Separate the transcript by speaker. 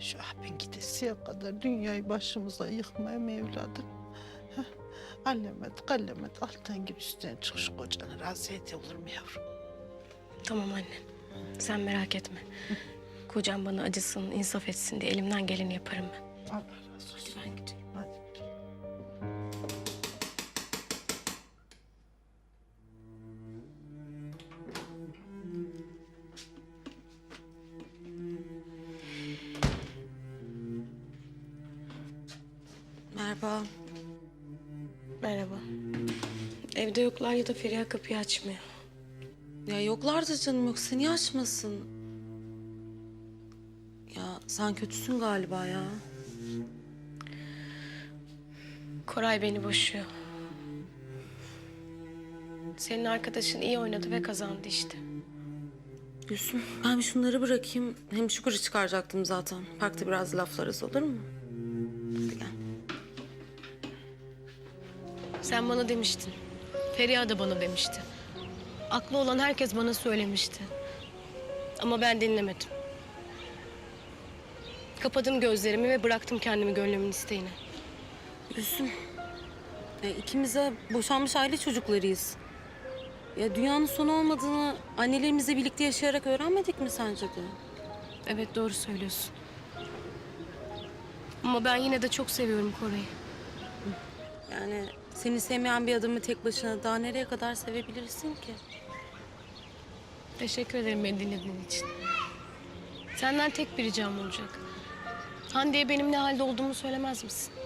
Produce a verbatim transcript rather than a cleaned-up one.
Speaker 1: Şu abin gidesiye kadar dünyayı başımıza yıkmaya mı evladım? Heh, Allemet, kallemet alttan gir üstten çık şu kocanı razı et olur mu yavrum?
Speaker 2: Tamam anne. Sen merak etme. Kocam bana acısın, insaf etsin diye elimden geleni yaparım ben.
Speaker 1: Allah razı olsun.
Speaker 2: Hadi ben gideyim.
Speaker 1: Hadi.
Speaker 3: Merhaba.
Speaker 2: Merhaba. Evde yoklar ya da Feriha kapıyı açmıyor.
Speaker 3: Ya yoklardı canım, yoksa niye açmasın? Ya sen kötüsün galiba ya.
Speaker 2: Koray beni boşuyor. Senin arkadaşın iyi oynadı ve kazandı işte.
Speaker 3: Gülsüm, ben bir şunları bırakayım. Hem Şükür'ü çıkaracaktım zaten. Parkta biraz laflarız, olur mu? Hadi gel.
Speaker 2: Sen bana demiştin. Feriha da bana demişti. Aklı olan herkes bana söylemişti. Ama ben dinlemedim. Kapadım gözlerimi ve bıraktım kendimi gönlümün isteğine.
Speaker 3: Gülsüm, ya ikimiz de boşanmış aile çocuklarıyız. Ya dünyanın sonu olmadığını annelerimizle birlikte yaşayarak öğrenmedik mi sence de?
Speaker 2: Evet, doğru söylüyorsun. Ama ben yine de çok seviyorum Koray'ı.
Speaker 3: Yani seni sevmeyen bir adamı tek başına daha nereye kadar sevebilirsin ki?
Speaker 2: Teşekkür ederim beni dinlediğin için. Senden tek bir ricam olacak. Hande'ye benim ne halde olduğumu söylemez misin?